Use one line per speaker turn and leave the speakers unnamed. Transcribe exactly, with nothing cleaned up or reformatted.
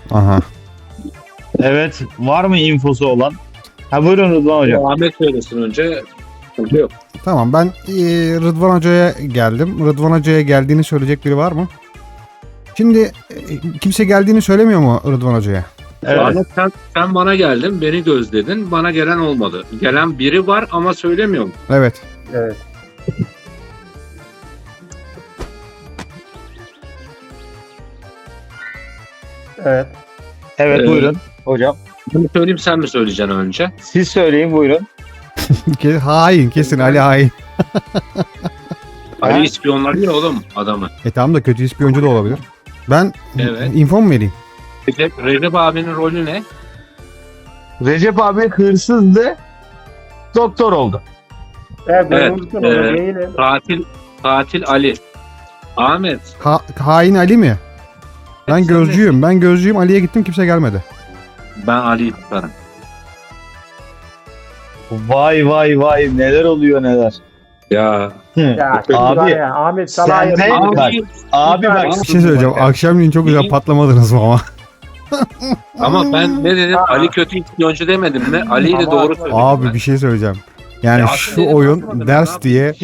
Aha.
Evet. Var mı infosu olan? Ha buyurun Rıdvan hocam.
Ahmet söylesin önce. Yok.
Tamam, ben e, Rıdvan Hoca'ya geldim. Rıdvan Hoca'ya geldiğini söyleyecek biri var mı? Şimdi e, kimse geldiğini söylemiyor mu Rıdvan Hoca'ya?
Evet.
Ahmet sen, sen bana geldin, beni gözledin. Bana gelen olmadı. Gelen biri var ama söylemiyor mu?
Evet.
Evet. Evet.
Evet
Ee,
buyurun hocam.
Bunu söyleyeyim, sen mi söyleyeceksin önce?
Siz söyleyin buyurun.
Ke- hain, kesin Ali hain.
Ali ispiyonladı oğlum adamı.
E tamam da kötü ispiyoncu da olabilir. Ben
Evet.
info mu vereyim?
Recep, Recep abinin rolü ne?
Recep abi hırsızdı. Doktor oldu.
Evet, ben
Evet,
unuttum
e,
onu. Değilim.
Katil, katil Ali. Ahmet.
Ha- hain Ali mi? Ben
sen
gözcüyüm. Ben gözcüyüm. Ali'ye gittim, kimse gelmedi.
Ben Ali'yi tutarım.
Vay vay vay neler oluyor neler.
Ya.
Hı.
Ya, şimdi
Abi,
var ya, Ahmet
sen
Salah'ya
de-
yapıyor.
Bak, Abi bak.
Bir şey söyleyeceğim. Akşamleyin çok güzel
İyi.
patlamadınız mı ama?
Ama ben ne dedim?
Aa.
Ali kötü ispiyoncu demedim mi? Ali'yi de
Ama
doğru
aslında-
söyledim.
Abi
ben.
bir şey söyleyeceğim. Yani
Ya
şu
aslında
oyun
yapmadım, ne
ders
yapayım?
diye